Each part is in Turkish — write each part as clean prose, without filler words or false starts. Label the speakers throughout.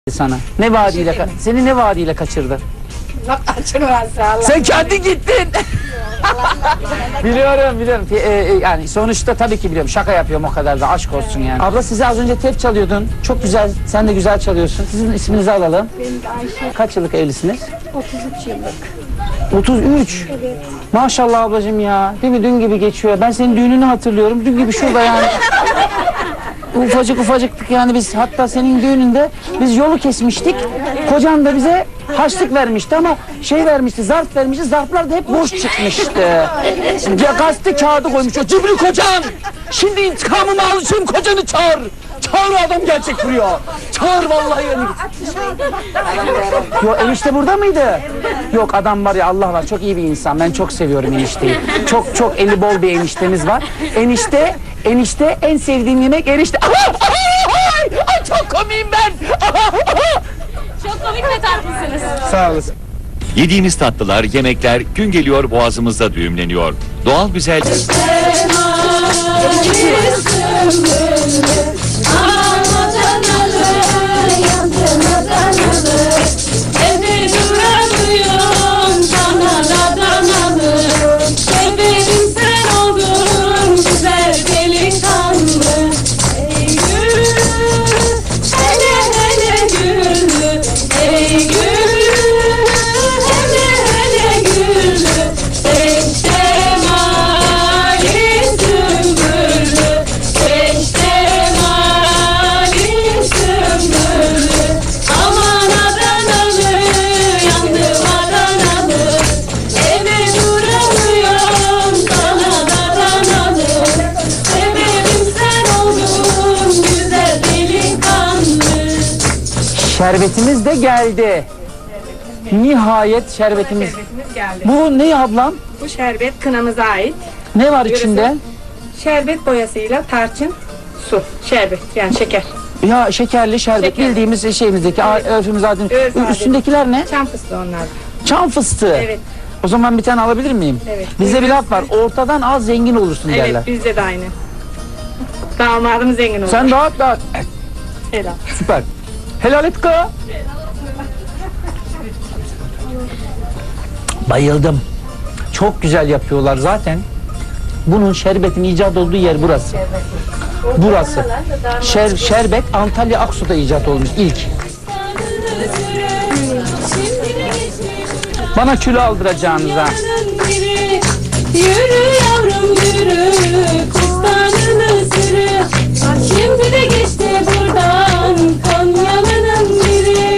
Speaker 1: sana. Ne vaadiyle seni ne vaadiyle kaçırdı? Sen kendi gittin. Biliyorum. Yani sonuçta tabii ki biliyorum. Şaka yapıyorum, o kadar da aşk olsun yani. Abla, size az önce tef çalıyordun. Çok güzel. Sen de güzel çalıyorsun. Sizin isminizi alalım.
Speaker 2: Benim de Ayşe.
Speaker 1: Kaç yıllık evlisiniz?
Speaker 2: 33 yıllık.
Speaker 1: 33.
Speaker 2: Evet.
Speaker 1: Maşallah ablacığım ya. Değil mi? Dün gibi geçiyor. Ben senin düğününü hatırlıyorum. Dün gibi şurada yani. Ufacıktık yani biz. Hatta senin düğününde biz yolu kesmiştik. Kocan da bize harçlık vermişti ama şey vermişti, zarf vermişti. Zarflar da hep boş çıkmıştı. Ya gazete kağıdı koymuş. O cimri kocan! Şimdi intikamımı alacağım, kocanı çağır. Çağır, adam gelecek buraya. Çağır vallahi yani. Yok, enişte burada mıydı? Yok, adam var ya, Allah var, çok iyi bir insan. Ben çok seviyorum enişteyi. Çok eli bol bir eniştemiz var. Enişte en sevdiğim yemek enişte. Ay çok komiyim ben.
Speaker 3: Çok komik ve tatlısınız.
Speaker 1: Sağ olasın.
Speaker 4: Yediğimiz tatlılar, yemekler gün geliyor boğazımızda düğümleniyor. Doğal güzel...
Speaker 1: Şerbetimiz de geldi. Nihayet şerbetimiz.
Speaker 2: geldi.
Speaker 1: Bu ne ablam?
Speaker 2: Bu şerbet kınamıza ait.
Speaker 1: Ne var içinde?
Speaker 2: Şerbet boyasıyla tarçın, su, şerbet yani şeker.
Speaker 1: Ya şekerli şerbet,
Speaker 2: Şekerli.
Speaker 1: bildiğimiz şeyimizdeki, örfümüz adın.
Speaker 2: Öz adeti.
Speaker 1: Üstündekiler ne?
Speaker 2: Çam fıstığı onlar.
Speaker 1: Çam fıstığı.
Speaker 2: Evet.
Speaker 1: O zaman bir tane alabilir miyim?
Speaker 2: Evet.
Speaker 1: Bizde bir laf var. Ortadan az zengin olursun derler.
Speaker 2: Evet, bizde de aynı. Damadım zengin oldu.
Speaker 1: Sen dağıt.
Speaker 2: Helal.
Speaker 1: Süper. Helal et kız. Bayıldım. Çok güzel yapıyorlar zaten. Bunun şerbetin icat olduğu yer burası. Burası. Şerbet Antalya Aksu'da icat olmuş ilk. Bana kilo aldıracağınız ha.
Speaker 3: Yürü yavrum yürü, kustanını sürü. Şimdi de geçti buradan Konyalı'nın biri.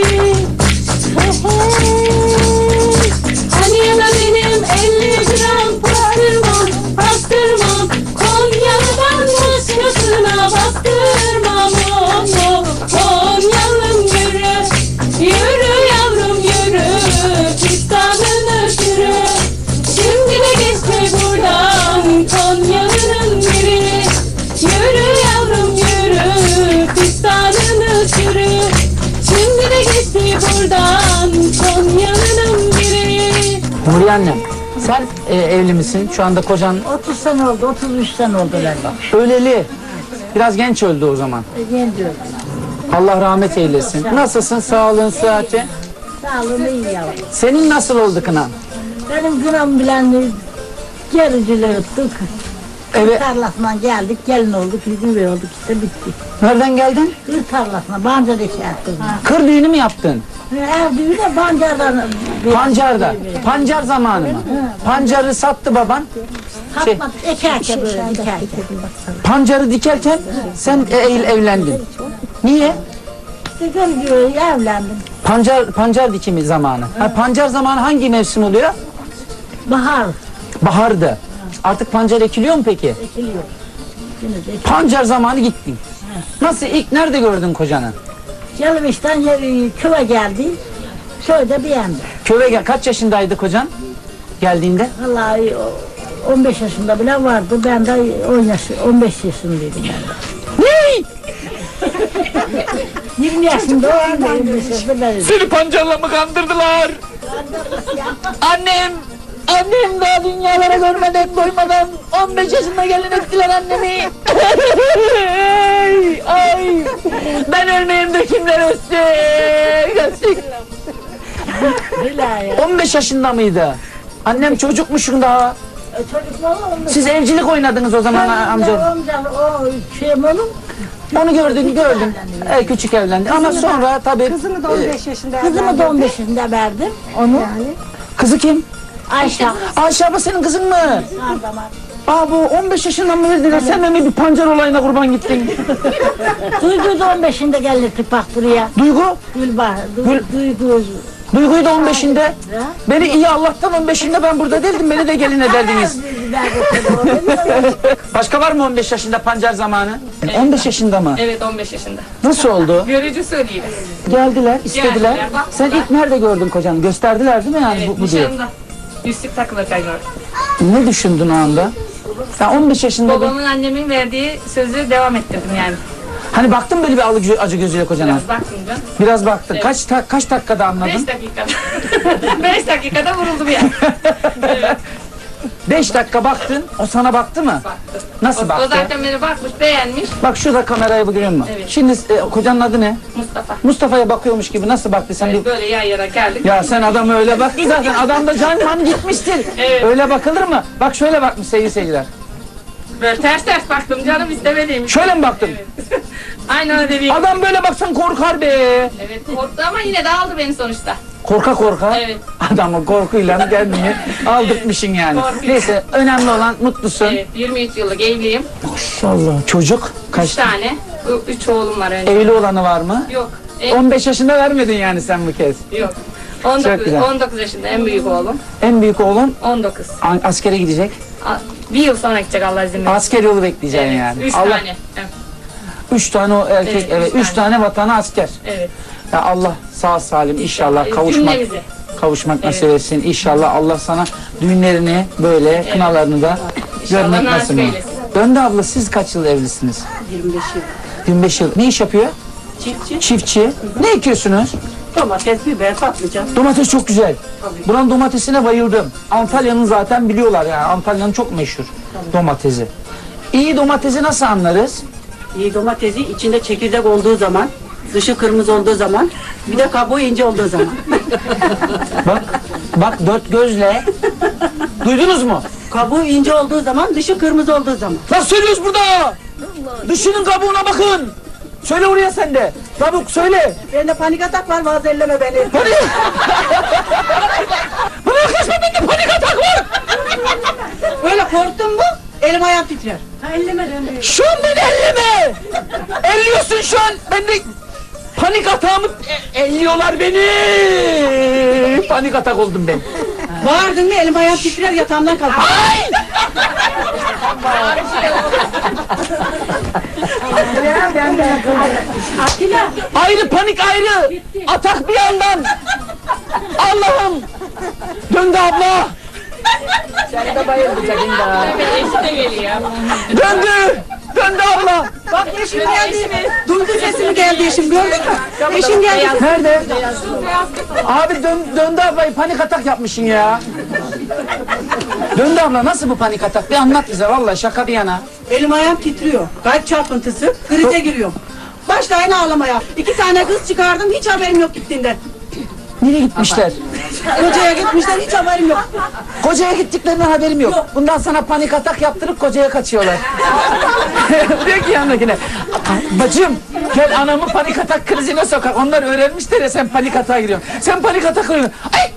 Speaker 3: Hani yana benim 50 gram pastırmam. Konyalı'dan başkasına bastırmam. Konyalım yürü, yürü yavrum yürü, pistanını sürü. Şimdi de geçti buradan Konyalı'nın biri. Yürü yavrum yürü, pistanını sürü. Şimdi de geçti buradan Konyalı'nın biri.
Speaker 1: Nuriye annem, sen evli misin? Şu anda kocan
Speaker 5: 30 sene oldu, 33 sene oldu galiba.
Speaker 1: öleli. Biraz genç öldü o zaman.
Speaker 5: Genç öldü.
Speaker 1: Allah rahmet eylesin. Nasılsın? Sağlığın, sıhhatin?
Speaker 5: Sağlığını iyi yavrum.
Speaker 1: Senin nasıl oldu kınan?
Speaker 5: Benim günahım bilen gericiler tuttuk.
Speaker 1: Evet.
Speaker 5: Tarlasına geldik, gelin olduk, bizim bir olduk işte bitti.
Speaker 1: Nereden geldin?
Speaker 5: Kır tarlasına, Bancar'da şey yaptık.
Speaker 1: Kır düğünü mü yaptın?
Speaker 5: Ev düğünü de Bancar'dan.
Speaker 1: Pancarda. Pancar zamanı mı? Pancarı sattı baban.
Speaker 5: Satmak, ekerken böyle dikerken.
Speaker 1: Pancarı dikerken sen evlendin. Niye?
Speaker 5: Dedim diyor, evlendim.
Speaker 1: Pancar dikimi zamanı. Ha, pancar zamanı hangi mevsim oluyor?
Speaker 5: Bahar
Speaker 1: Bahardı. Artık pancar ekiliyor mu peki?
Speaker 5: ekiliyor. Şimdi de
Speaker 1: Pancar zamanı gittin. Nasıl, ilk nerede gördün kocanı?
Speaker 5: Yalımış'tan köye geldi. Şöyle beğendi.
Speaker 1: Köye kaç yaşındaydı kocan geldiğinde?
Speaker 5: Vallahi 15 yaşında bile vardı. Ben de 15 yaşındaydım ben de.
Speaker 1: Ne?
Speaker 5: 20 yaşında o anda 25 yaşında ben.
Speaker 1: Seni pancarla mı kandırdılar? Annem daha dünyalara görmeden doymadan 15 yaşında gelin ettiler annemi. Ay, ben ölmeyeyim de kimler ölsün?
Speaker 5: Bilal ya.
Speaker 1: 15 yaşında mıydı? Annem çocukmuşum daha.
Speaker 5: Çocuk var mı?
Speaker 1: Siz evcilik oynadınız o zaman amca.
Speaker 5: Amcam o şeyim oğlum.
Speaker 1: Onu gördün. Küçük evlendi. Ama sonra tabii
Speaker 2: Kızını da 15 yaşında
Speaker 5: Kızımı da 15 yaşında verdim. Onu.
Speaker 1: kızı kim?
Speaker 5: Ayşe.
Speaker 1: Ayşe abla senin kızın mı?
Speaker 5: Her zaman.
Speaker 1: Aa bu 15 yaşından mı verdiler? Sen de mi bir pancar olayına kurban gittin?
Speaker 5: Duygu'yu da 15'inde gelirdik bak buraya.
Speaker 1: Duygu?
Speaker 5: Gülbahar.
Speaker 1: Gül-
Speaker 5: Duygu.
Speaker 1: Duygu'yu da 15'inde. Beni iyi Allah'tan 15'inde ben burada değildim. Beni de gelin ederdiniz. Başka var mı 15 yaşında pancar zamanı? 15 yaşında mı?
Speaker 2: Evet 15 yaşında.
Speaker 1: Nasıl oldu?
Speaker 2: Görücü söyleyeyim.
Speaker 1: Geldiler, istediler.
Speaker 2: Geldiler, bak.
Speaker 1: Sen ilk nerede gördün kocanı? Gösterdiler değil mi yani
Speaker 2: Evet
Speaker 1: bu diye?
Speaker 2: nişanında. Yüzük takılırken gördüm.
Speaker 1: Ne düşündün o anda? Sen 15 yaşında
Speaker 2: Babamın annemin verdiği sözü devam ettirdim yani.
Speaker 1: hani baktın böyle bir acı gözüyle kocana.
Speaker 2: Biraz baktım canım.
Speaker 1: Biraz baktın. Kaç dakikada anladın?
Speaker 2: 5 dakikada. 5 dakikada vuruldum yani.
Speaker 1: 5 dakika baktın. O sana baktı mı?
Speaker 2: Baktı.
Speaker 1: Nasıl
Speaker 2: O
Speaker 1: baktı?
Speaker 2: zaten beni bakmış, beğenmiş.
Speaker 1: Bak şurada kamerayı görüyor musun?
Speaker 2: Evet.
Speaker 1: Şimdi kocanın adı ne?
Speaker 2: Mustafa.
Speaker 1: Mustafa'ya bakıyormuş gibi nasıl baktı sen?
Speaker 2: Evet, böyle yan yana geldik.
Speaker 1: Ya sen adamı öyle baktın zaten. Adam da canman gitmiştir.
Speaker 2: Evet.
Speaker 1: Öyle bakılır mı? Bak şöyle bakmış sevgili seyirciler.
Speaker 2: Böyle ters baktım canım istemediğim.
Speaker 1: Şöyle mi baktın?
Speaker 2: Aynen öyle dediğim.
Speaker 1: Adam böyle baksan korkar be.
Speaker 2: Evet korktu ama yine de aldı beni sonuçta.
Speaker 1: Korka.
Speaker 2: Evet.
Speaker 1: Adamı korkuyla kendini aldırtmışsın yani.
Speaker 2: Korkuyor.
Speaker 1: Neyse önemli olan mutlusun.
Speaker 2: Evet 23 yıllık evliyim.
Speaker 1: Maşallah. Çocuk
Speaker 2: 3
Speaker 1: kaç?
Speaker 2: tane. 3 oğlum var önce.
Speaker 1: Evli olanı var mı?
Speaker 2: Yok.
Speaker 1: 15 yaşında vermedin yani sen bu kez.
Speaker 2: Yok.
Speaker 1: Çok
Speaker 2: 19,
Speaker 1: güzel.
Speaker 2: 19 yaşında en büyük oğlum.
Speaker 1: En büyük oğlun
Speaker 2: 19.
Speaker 1: askere gidecek.
Speaker 2: Bir yıl sonra gidecek Allah izin verirse.
Speaker 1: Asker yolu bekleyeceksin
Speaker 2: Evet,
Speaker 1: yani.
Speaker 2: 3
Speaker 1: Allah,
Speaker 2: tane. Evet.
Speaker 1: 3 tane o erkek,
Speaker 2: Evet,
Speaker 1: evet.
Speaker 2: üç
Speaker 1: 3 tane vatana asker.
Speaker 2: Evet.
Speaker 1: Ya Allah sağ salim inşallah
Speaker 2: Cümlemizi.
Speaker 1: kavuşmak nasip etsin. İnşallah Allah sana düğünlerini böyle kınalarını da görmek
Speaker 2: nasip
Speaker 1: nasip
Speaker 2: eylesin.
Speaker 1: Döndü abla siz kaç yıl evlisiniz?
Speaker 5: 25 yıl.
Speaker 1: 25 yıl. Ne iş yapıyor?
Speaker 5: Çiftçi.
Speaker 1: Çiftçi. Ne ekiyorsunuz?
Speaker 5: Domates, biber, patlıcan.
Speaker 1: Domates çok güzel. Buranın domatesine bayıldım. Antalya'nın zaten biliyorlar yani. Antalya'nın çok meşhur domatesi. İyi domatesi nasıl anlarız?
Speaker 6: İyi domatesi içinde çekirdek olduğu zaman, dışı kırmızı olduğu zaman, bir de kabuğu ince olduğu zaman.
Speaker 1: Bak dört gözle. Duydunuz mu?
Speaker 6: Kabuğu ince olduğu zaman, dışı kırmızı olduğu zaman.
Speaker 1: Nasıl söylüyoruz burada? Dışının kabuğuna bakın. Söyle oraya sen de. Kabuk söyle.
Speaker 6: Bende panik atak var, bazı elleme beni.
Speaker 1: Panik. Bırakırsan bende panik atak var.
Speaker 6: Böyle korktum mu, elim ayağım titrer.
Speaker 1: Şu an beni elleme. Elliyorsun şu an. Ben de panik atağımı elliyorlar beni. Panik atak oldum ben.
Speaker 6: Bağırdın mı, elim ayağım titrer, yatağımdan kalkar.
Speaker 1: Ay! Ayrı panik ayrı. Atak bir yandan. Allah'ım. Döndü abla. Sen de bayılacaksın da.
Speaker 2: Evet eşi de geliyor.
Speaker 1: Döndü. Döndü abla.
Speaker 6: Bak eşim geldi, duydu sesimi geldi eşim, gördün mü? Eşim geldi.
Speaker 1: Nerede? Abi döndü ablayı panik atak yapmışsın ya. Döndü abla nasıl bu panik atak? Bir anlat bize vallahi şaka bir yana.
Speaker 6: Elim ayağım titriyor, kalp çarpıntısı, krize giriyorum. Başlayın ağlamaya. 2 tane kız çıkardım, hiç haberim yok gittiğinden.
Speaker 1: Nereye gitmişler?
Speaker 6: Kocaya gitmişler, hiç haberim yok.
Speaker 1: Kocaya gittiklerinden haberim yok. Bundan sana panik atak yaptırıp kocaya kaçıyorlar. Diyor ki yanındakine, bacım gel anamı panik atak krizine sokak. Onlar öğrenmişler ya sen panik atağa giriyorsun. Sen panik atak giriyorsun. Ay!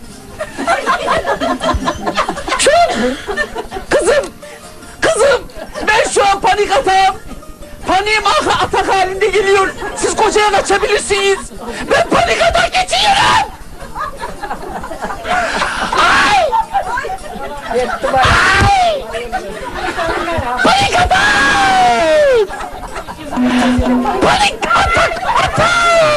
Speaker 1: Şu an, kızım ben şu an panik atağım. Paniğim atak halinde geliyor. Siz kocaya kaçabilirsiniz. Ben panik atak geçiyorum. Ay! Ay! Panik atak! Panik atak!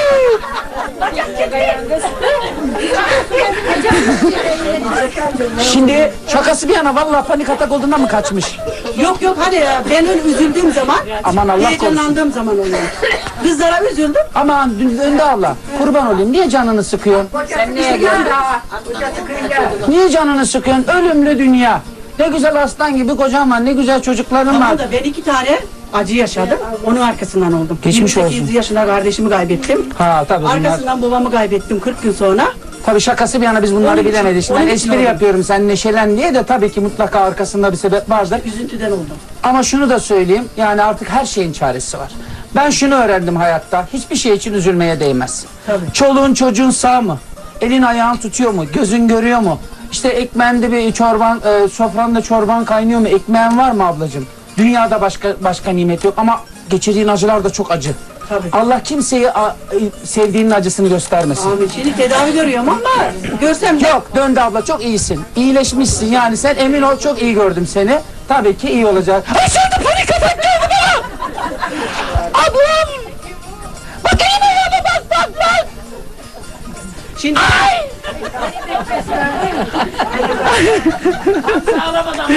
Speaker 1: Şimdi şakası bir yana vallahi panik atak olduğundan mı kaçmış?
Speaker 6: Yok hani ben öyle üzüldüğüm zaman,
Speaker 1: Aman Allah
Speaker 6: heyecanlandığım zaman oluyor. Kızlara üzüldüm.
Speaker 1: Aman döndü abla. Kurban olayım. Niye canını sıkıyorsun?
Speaker 2: Sen neye geldin?
Speaker 1: Niye canını sıkıyorsun? Ölümlü dünya. Ne güzel aslan gibi kocam var. Ne güzel çocuklarım var.
Speaker 6: Tamam da ben 2 tane acı yaşadım. Onun arkasından oldum.
Speaker 1: Geçmiş
Speaker 6: 28
Speaker 1: olsun.
Speaker 6: yaşında kardeşimi kaybettim.
Speaker 1: Ha tabii bunlar.
Speaker 6: Arkasından babamı kaybettim 40 gün sonra.
Speaker 1: Tabii şakası bir yana biz bunları
Speaker 6: Onun için-
Speaker 1: bilemedik. Şimdi
Speaker 6: onun
Speaker 1: ben
Speaker 6: için
Speaker 1: espri
Speaker 6: oldu.
Speaker 1: yapıyorum sen neşelen diye de tabii ki mutlaka arkasında bir sebep vardır.
Speaker 6: Üzüntüden oldum.
Speaker 1: Ama şunu da söyleyeyim yani artık her şeyin çaresi var. Ben şunu öğrendim hayatta hiçbir şey için üzülmeye değmez.
Speaker 6: Tabii.
Speaker 1: Çoluğun çocuğun sağ mı? Elin ayağın tutuyor mu? Gözün görüyor mu? İşte ekmeğinde bir çorban, sofranda çorban kaynıyor mu? Ekmeğin var mı ablacığım? Dünyada başka nimet yok ama geçirdiğin acılar da çok acı.
Speaker 6: Tabii.
Speaker 1: Allah kimseye sevdiğinin acısını göstermesin.
Speaker 6: Abi şimdi tedavi görüyorum ama görsem de
Speaker 1: Yok döndü abla çok iyisin. İyileşmişsin yani sen emin ol çok iyi gördüm seni. Tabii ki iyi olacak. Ay şimdi panik atak geldi bana. Ablam. Bak elime yana bak.
Speaker 6: şimdi